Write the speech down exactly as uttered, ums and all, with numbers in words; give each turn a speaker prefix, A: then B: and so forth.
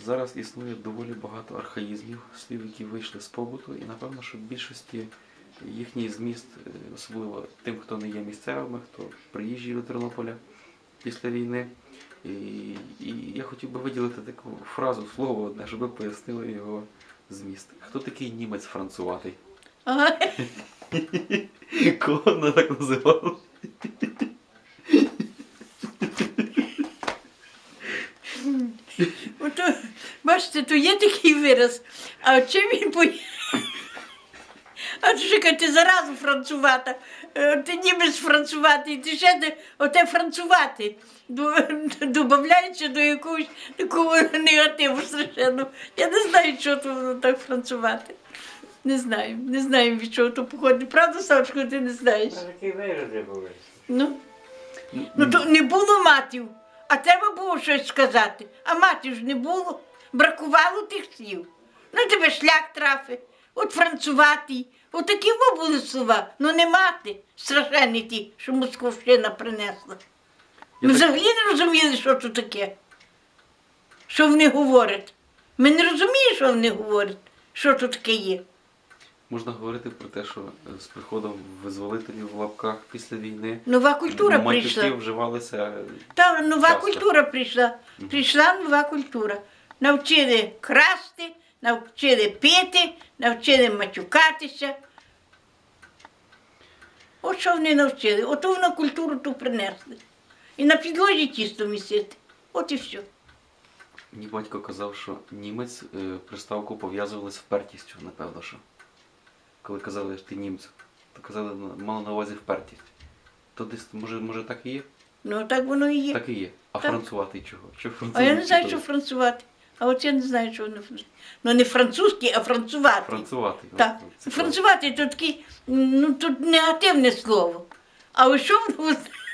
A: зараз існує доволі багато архаїзмів, слів, які вийшли з побуту, і напевно, що в більшості їхній зміст, е, особливо тим, хто не є місцевими, хто приїжджий до Тернополя після війни. І, і я хотів би виділити таку фразу, слово одне, щоб ви пояснили його зміст. Хто такий німець француватий?
B: Ага.
A: Кого вона так називала?
B: Ото, бачите, то є такий вираз. А чим він по... А то що ти заразу францувата, е, ти німець француватий, ти ще не оте францувати. Добавляється до якогось такого негативу страшенно. Я не знаю, що то воно так францувати. Не знаю, не знаю, від чого то походить. Правда, Савчко, ти не знаєш?
C: Такі вироди були.
B: Ну, ну то не було матів, а треба було щось сказати. А матів ж не було. Бракувало тих слів. Ну тебе шлях трафи, от француватий. От такі во були слова. Ну не мати, страшенні ті, що Московщина принесла. Ми
A: так-
B: взагалі не розуміли, що це таке. Що вони говорять. Ми не розуміємо, що вони говорять, що це таке є.
A: Можна говорити про те, що е, з приходом визволителів в лапках після війни
B: Нова культура
A: матюки
B: прийшла.
A: вживалися.
B: Та нова
A: Часто.
B: культура прийшла. Прийшла нова культура. Навчили красти, навчили пити, навчили матюкатися. От що вони навчили. Ото воно культуру ту принесли. І на підлозі тісто місити. От і все.
A: Мені батько казав, що німець е, приставку пов'язували з впертістю, напевно, що. Коли казали, що ти німець, то казали, на- мали на увазі впертість. То десь, може, може так і є?
B: Ну так воно і є.
A: Так і є. А
B: Так.
A: францувати чого? Що
B: А я не знаю,
A: французи
B: що францувати. А от я не знаю, що воно францувати. Ну не французький, а францувати.
A: Францувати.
B: Так.
A: Це
B: Францувати то таке, ну тут негативне слово. А ось що воно